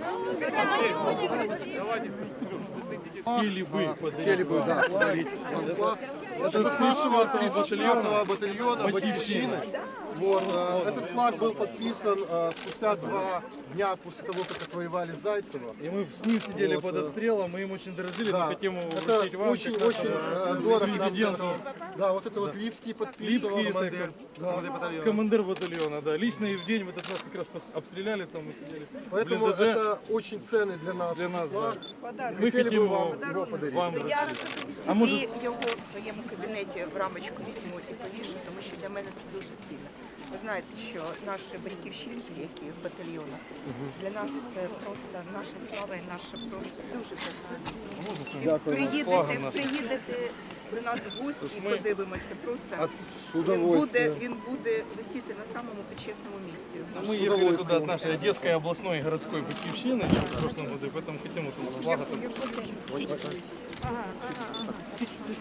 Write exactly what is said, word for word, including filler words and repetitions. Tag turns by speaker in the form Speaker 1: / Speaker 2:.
Speaker 1: Хотели бы,
Speaker 2: Хотели бы, да, подарить вам флаг. Это с нашего тридцать четвёртого батальона «Батьківщины». Вот, э, этот флаг был подписан э, спустя два дня после того, как отвоевали Зайцево.
Speaker 1: И мы с ним сидели
Speaker 2: Вот,
Speaker 1: под обстрелом, мы им очень дорожили,
Speaker 2: Да,
Speaker 1: мы хотим его
Speaker 2: это
Speaker 1: вручить вам.
Speaker 2: очень,
Speaker 1: как
Speaker 2: очень
Speaker 1: нашему
Speaker 2: э, дорого.
Speaker 1: президенту.
Speaker 2: Да, вот это вот Липский подписывал.
Speaker 1: Липский,
Speaker 2: командир,
Speaker 1: это
Speaker 2: да, батальона.
Speaker 1: командир батальона, да. Лично и в день в этот раз как раз пос- обстреляли, там мы сидели.
Speaker 2: Поэтому
Speaker 1: в блиндаже.
Speaker 2: это очень ценный для нас
Speaker 1: Для нас,
Speaker 2: флаг.
Speaker 1: да.
Speaker 2: Ми хотіли
Speaker 1: хотим
Speaker 2: б вам
Speaker 1: его
Speaker 2: його подарити.
Speaker 1: вам
Speaker 3: Я
Speaker 1: вручить. А
Speaker 3: собі
Speaker 1: може-
Speaker 3: його в своєму кабінеті в рамочку візьму і повішу, тому що для мене це дуже цінно. Ви знаєте, що наші батьківщинці, які в батальйонах, для нас це просто наша слава і наша просто дуже
Speaker 2: Дякую.
Speaker 3: приїдете,
Speaker 1: Флагом нашим.
Speaker 3: приїдете до нас в гості і
Speaker 1: ми-
Speaker 3: подивимося. Просто
Speaker 1: От-
Speaker 2: С
Speaker 3: він буде,
Speaker 2: удовольствием.
Speaker 3: він буде висіти на самому почесному місці.
Speaker 1: Мы ехали туда от нашей Одесской областной и городской батьківщины еще в прошлом году, и поэтому хотим вот флага.